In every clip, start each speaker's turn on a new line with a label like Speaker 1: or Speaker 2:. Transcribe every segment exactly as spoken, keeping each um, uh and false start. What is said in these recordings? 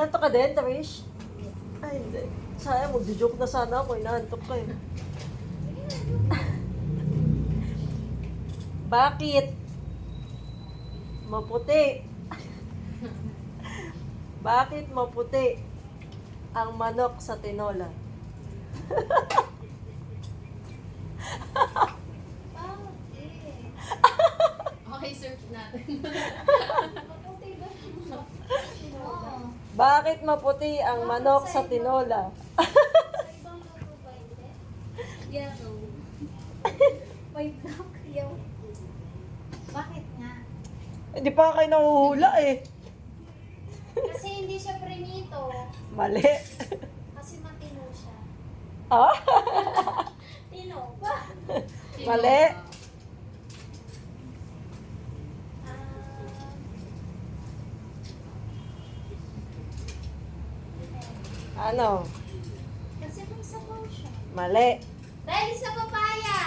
Speaker 1: Inaantok ka din, Tamish? Ay, hindi. Sayang, magjo-joke na sana ako. Inaantok ka eh. Bakit maputi? Bakit maputi ang manok sa tinola?
Speaker 2: Okay, search natin.
Speaker 1: Bakit maputi ang manok sa tinola?
Speaker 3: Yellow. May black yellow. Bakit nga?
Speaker 1: Hindi pa kayo nahuhula eh.
Speaker 3: Kasi hindi siya prenito.
Speaker 1: Mali.
Speaker 3: Kasi matino siya.
Speaker 1: Ah?
Speaker 3: Tino ba?
Speaker 1: Mali.
Speaker 3: Ah,
Speaker 1: Ano?
Speaker 3: kasi may sabaw siya.
Speaker 1: Mali.
Speaker 3: Dahil sa papaya!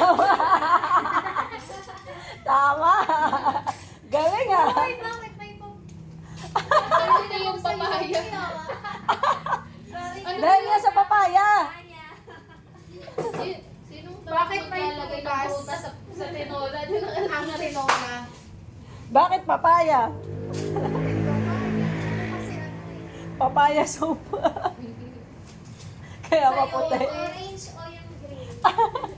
Speaker 1: Tama. Galing ah.
Speaker 3: Uy, bakit may pap...
Speaker 2: Ano na yung papaya?
Speaker 3: Sorry.
Speaker 2: Ano
Speaker 1: Dahil nga sa papaya.
Speaker 3: Papaya.
Speaker 2: Si- Sinong
Speaker 3: Bakit may
Speaker 2: maglalagay ng
Speaker 3: prutas?
Speaker 2: prutas sa, sa tinola? Yun ang ang tinola.
Speaker 1: Bakit papaya?
Speaker 3: Ano kasi ano eh?
Speaker 1: Papaya soup. Kaya
Speaker 3: Sa'yo,
Speaker 1: maputi.
Speaker 3: orange o yung green?